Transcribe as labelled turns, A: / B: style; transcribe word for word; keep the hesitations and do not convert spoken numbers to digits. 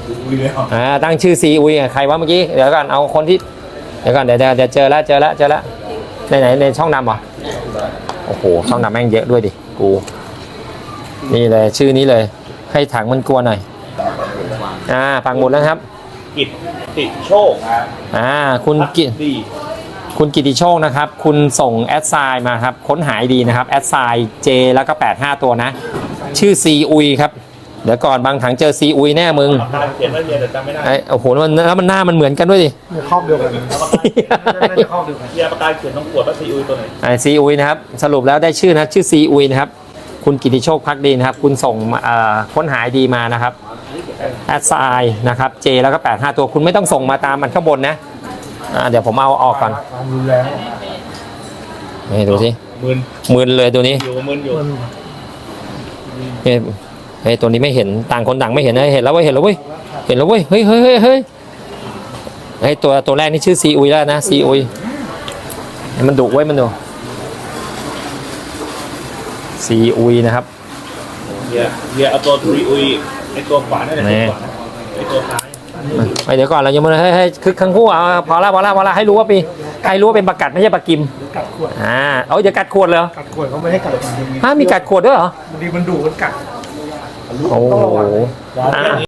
A: อุ้ยเลยเหรอ
B: อ่าตั้งชื่อซีอุยใครวะเมื่อกี้เดี๋ยวก่อนเอาคนที่เดี๋ยวก่อนเดี๋ยวเดี๋ยวเจอแล้วเจอแล้วเจอแล้วในไหนในช่องดำเหรอโอ้โหช่องดำแม่งเยอะด้วยดิกูนี่เลยชื่อนี้เลยให้ถังมันกลัวหน่อยอ่าปังหมุดแล้วครับ
A: กิตติโชคครับ
B: อ่าคุณกิต
A: ดี
B: คุณกิติโชคนะครับคุณส่งแอดไซน์มาครับค้นหายดีนะครับแอดไซน์เจแล้วก็แปดห้าตัวนะชื่อซีอุยครับเดี๋ยวก่อนบางถังเจอซีอุยแน่มึง
A: ปากกาเขียนไว้เรียนแต่จำไม่ได้
B: ไอ้โอ้โหแล้วมันแล้วมันหน้ามันเหมือนกันด้วยดิ
C: ครอบเดียวกันน่าจะครอบเดียวกัน
A: เรียนปากกาเขียนต้องขวดว่าซีอุยตัวไหน
B: ไอ้ซีอุยนะครับสรุปแล้วได้ชื่อนะชื่อซีอุยนะครับคุณกิติโชคพักดีนะครับคุณส่งเอ่อค้นหายดีมานะครับแอดไซน์นะครับเจแล้วก็แปดห้าตัวคุณไม่ต้องส่งมาตามมันข้างบนนะอ่าเดี๋ยวผมเอาออกก่อน
C: ความรุนแรง
B: นี่ดูสิ
A: มึน
B: มึนเลยตัวนี้
A: อยู่มึนอยู่
B: เฮ้ยเฮ้ยตัวนี้ไม่เห็นต่างคนต่างไม่เห็นนะเห็นแล้วเว้ยเห็นแล้วเว้ยเห็นแล้วเว้ยเฮ้ยเฮ้ยเฮ้ยเฮ้ยไอ้ตัวตัวแรกนี่ชื่อซีอุยแล้วนะซีอุยมันดุไว้ยมันดุซีอุยนะครับ
A: เรียเรียเอาตัวซีอุยไอตัวขวานั่นแหละ
B: นี่
A: ไอตัวซ้าย
B: ไปเดี๋ยวก่อนเรายังไม่ให้ให้คึกทั้งคู่เอาพอละพอละพอละให้รู้ว่าปีใครรู้ว่าเป็นประกัดไม่ใช่ปลากิม
C: กัดขวด
B: อ่าเอาเดี๋ยวกัดขวดเลยเหรอ
C: กัดขวดเขาไม่ให้กัดจริง
B: ฮะมีกัดขวดด้วยเหรอ
C: บางทีมันดุมันกัด
B: โอ้โห
A: อ่า